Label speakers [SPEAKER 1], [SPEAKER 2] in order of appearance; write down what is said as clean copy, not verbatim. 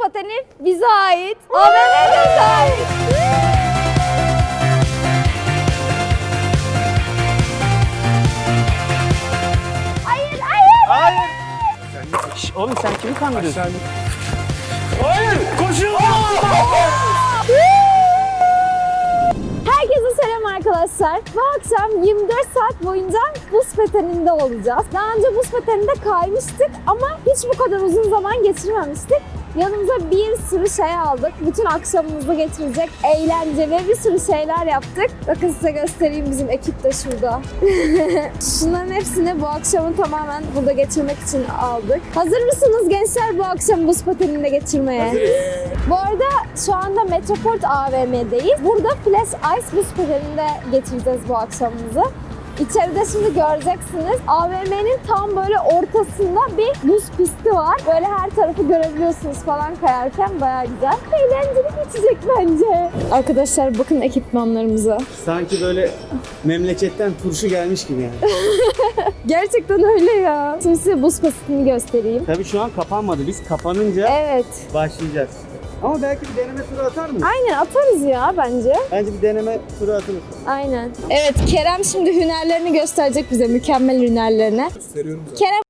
[SPEAKER 1] pateni bize ait. AVM'ye bize ait. Hayır, hayır.
[SPEAKER 2] Hayır. Şş, oğlum sen kimi kandırıyorsun? Hayır, koşun!
[SPEAKER 1] Herkese selam arkadaşlar. Bu akşam 24 saat boyunca buz pateninde olacağız. Daha önce buz pateninde kaymıştık ama hiç bu kadar uzun zaman geçirmemiştik. Yanımıza bir sürü şey aldık. Bütün akşamımızı geçirecek eğlenceli bir sürü şeyler yaptık. Bakın size göstereyim, bizim ekip de şurada. Şunların hepsini bu akşamı tamamen burada geçirmek için aldık. Hazır mısınız gençler bu akşam buz pateninde geçirmeye?
[SPEAKER 2] Hazırız.
[SPEAKER 1] Bu arada şu anda Metroport AVM'deyiz. Burada Flash Ice buz pateninde geçireceğiz bu akşamımızı. İçeride şimdi göreceksiniz. AVM'nin tam böyle ortasında bir buz pisti var. Böyle her tarafı görebiliyorsunuz falan kayarken, bayağı güzel. Eğlenceli geçecek bence. Arkadaşlar bakın ekipmanlarımıza.
[SPEAKER 2] Sanki böyle memleketten turşu gelmiş gibi yani.
[SPEAKER 1] Gerçekten öyle ya. Şimdi size buz pistini göstereyim.
[SPEAKER 2] Tabii şu an kapanmadı. Biz kapanınca
[SPEAKER 1] Evet.
[SPEAKER 2] başlayacağız. Ama belki bir deneme turu atar mıyız?
[SPEAKER 1] Aynen atarız ya bence.
[SPEAKER 2] Bence bir deneme turu atılır.
[SPEAKER 1] Aynen. Evet, Kerem şimdi hünerlerini gösterecek bize. Mükemmel hünerlerini.
[SPEAKER 3] Gösteriyorum zaten.
[SPEAKER 1] Kerem